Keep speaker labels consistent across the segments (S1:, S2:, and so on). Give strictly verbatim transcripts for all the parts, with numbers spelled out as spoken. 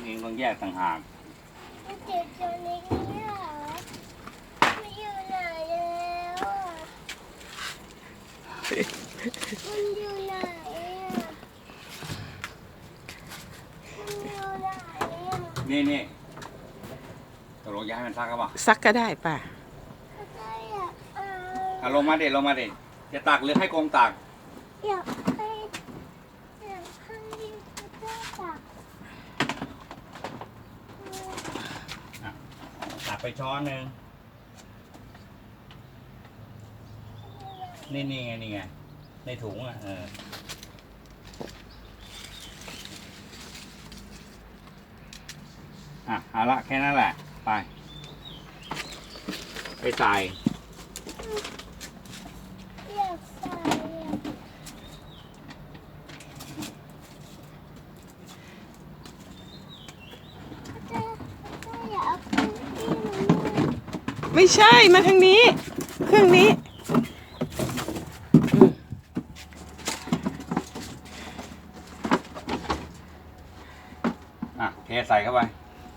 S1: เองต้องแยกต่างหาก
S2: มันเจ็บตัวนี้เหรอมันอยู่ไหนแล้วอ่ะมันอยู่ไหนอ่ะมันอยู่ไหนอ่ะ
S1: นี่นี่ตกลงย้ายมันซักก็เปล่า
S3: ซักก็ได้ป่ะ
S2: ได้อ่ะ
S1: อ่ะลงมาเด็ดลงมาเด็ดจะตักหรือให้กงตัก
S2: อยากให้อยากให้ได้ตัก
S1: ตักไปช้อนหนึ่งนี่นี่ไงนี่ไงในถุงอ่ะเอออ่ะเอาละแค่นั้นแหละไปไปใส่
S2: อยากใส่อ่ะได้ได้อยากเอาเครื่องที่มัน
S3: ไม่ใช่มาทางนี้เครื่องนี้
S1: อ่ะเทใส่เข้าไป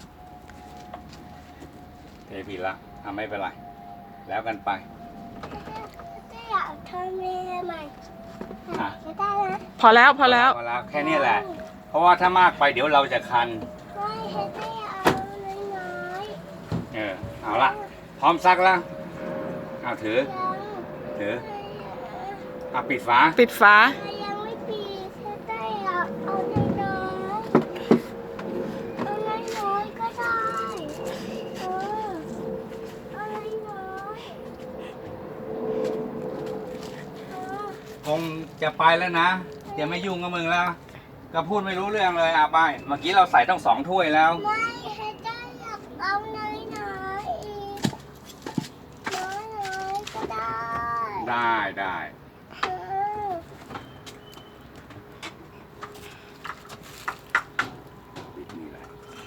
S1: เทผิดละทำไม่เป็นไรแล้วกันไป
S2: ได้อยากทำเมนูใหม่
S1: อ่ะ
S2: จะได้นะ
S3: พอแล้วพอแล้ว
S1: พอแล้วแค่นี้แหละ เพราะว่าถ้ามากไปเดี๋ยวเราจะคัน
S2: ไม่ให้ได้เอาน้อย
S1: เออเอาละพร้อมซักแล้วเอาถือ
S2: ๆยัง
S1: ถือเอาปิดฝา
S3: ปิดฝา
S2: ยังไม่ปีถ้าได้เอาเอาน้อยๆเอาน้อยๆก็ได้เออเอาน้อยๆเออ
S1: คงจะไปแล้วนะจะไม่ยุ่งกับมึงแล้ว ก็พูดไม่รู้เรื่องเลยอ่ะไปเมื่อกี้เราใส่ต้องสองถ้วยแล้ว
S2: ไม่ให้ได้อยากเอาน้อยๆอีกน้อยๆก็ได้
S1: ได้ได้
S2: เออ
S1: ปิดนี่แหละ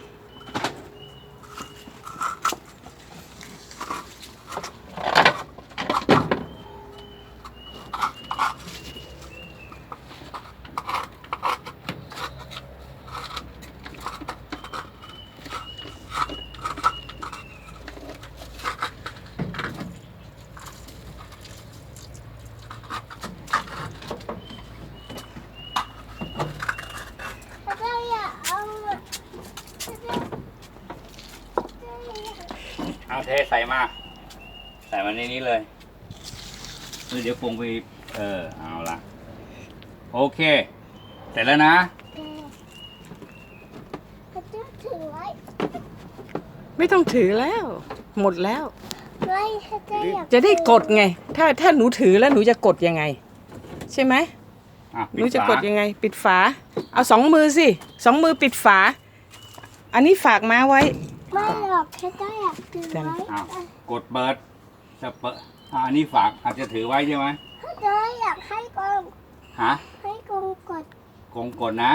S2: ถ้าได้อยากเอาอะถ้าได้ได้อยาก
S1: เอาเทใส่มาใส่มาในนี้เลยเดี๋ยวปรุงไปเออเอาละโอเคเสร็จแล้วนะ
S2: เขาจะถือไว้
S3: ไม่ต้องถือแล้ว หมดแล้ว
S2: ไม่เขาจะอยาก
S3: จะได้กดไง ถ้าถ้าหนูถือแล้วหนูจะกดยังไง ใช่ไหม
S1: อ่ะ
S3: ห
S1: ปิ
S3: นู
S1: ด
S3: จะ
S1: ฝาก
S3: ดยังไง ปิดฝา เอาสองมือสิสองมือปิดฝา อันนี้ฝากมาไว้
S2: ไม่หรอกเขาจะอยากถือไว้
S1: อ้าวกดเปิดจะเปิดอ่ะอันนี้ฝากอาจจะถือไว้ใช่ไหม
S2: เขาจะอยากให้กง
S1: ฮะ
S2: ให้กงกด
S1: กงกดนะ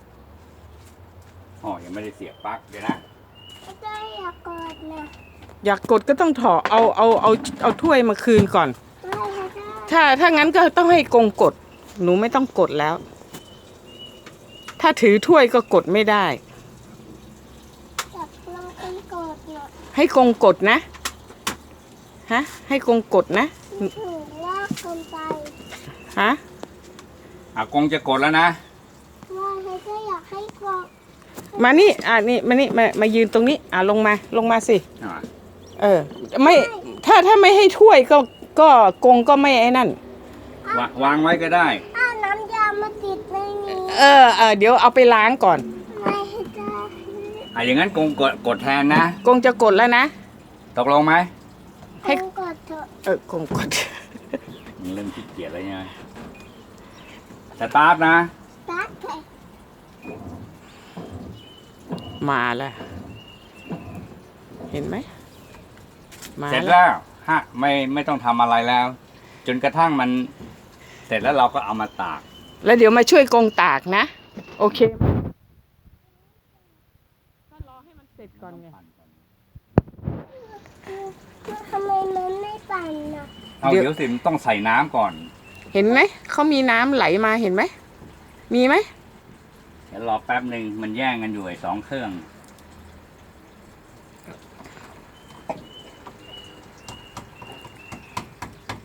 S1: อ๋อยังไม่ได้เสียบปลั๊กเดี๋ยวนะ
S2: เขาจะอยากกดนะ
S3: อยากกดก็ต้องถอดเอาเอาเอาเอาถ้วยมาคืนก่อน
S2: ไม่เขาจะ
S3: ถ้าถ้างั้นก็ต้องให้กงกด หนูไม่ต้องกดแล้ว ถ้าถือถ้วยก็กดไม่ได้
S2: อยากลองกงกดนะ
S3: ให้กงกดนะ ฮะ ให้กงกดนะ
S2: ถือลากกงไป
S3: ฮะ
S1: อ่ะกงจะกดแล้วนะ
S2: ว่าเขาจะอยากให้กง
S3: มานี่ อ่ะนี่ มานี่ มา มายืนตรงนี้ อ่ะลงมา ลงมาสิ
S1: อ่ะ
S3: เออ ไม่ ถ้าถ้าไม่ให้ถ้วยก็ ก็กงก็ไม่ไอ้นั่น
S1: วางวางไว้ก็ได้
S2: อ้าน้ำยามาติดในนี้
S3: เออเออเดี๋ยวเอาไปล้างก่อน
S2: ไม่ให้ได้
S1: อ่ะอย่างนั้นกงกดกดแทนนะ
S3: กงจะกดแล้วนะ
S1: ตกลงไหม
S3: ให้
S2: กงกดเถอะ
S3: เออกงกด
S1: เริ่มขี้เกียจแล้วใช่ไหมสตาร์ทนะ
S2: ตัดไป
S3: มาแล้ว เห็นไหม มา
S1: เสร็จ
S3: แล้ว
S1: แล้วฮะไม่ไม่ต้องทำอะไรแล้ว จนกระทั่งมัน เสร็จแล้วเราก็เอามาตาก
S3: แล้วเดี๋ยวมาช่วยกงตากนะ โอเคก็รอให้มันเสร็จก่อนไง
S2: ทำไมมันไม่ปั่นน่ะ
S1: เอา
S3: เดี๋ยว
S1: เดี๋ยวสิมนต้องใส่น้ำก่อน
S3: เห็นไหม เขามีน้ำไหลมาเห็นไหม มีไหม
S1: เดี๋ยวรอแป๊บหนึ่งมันแย่งกันอยู่ไอ้สองเครื่อง
S2: อ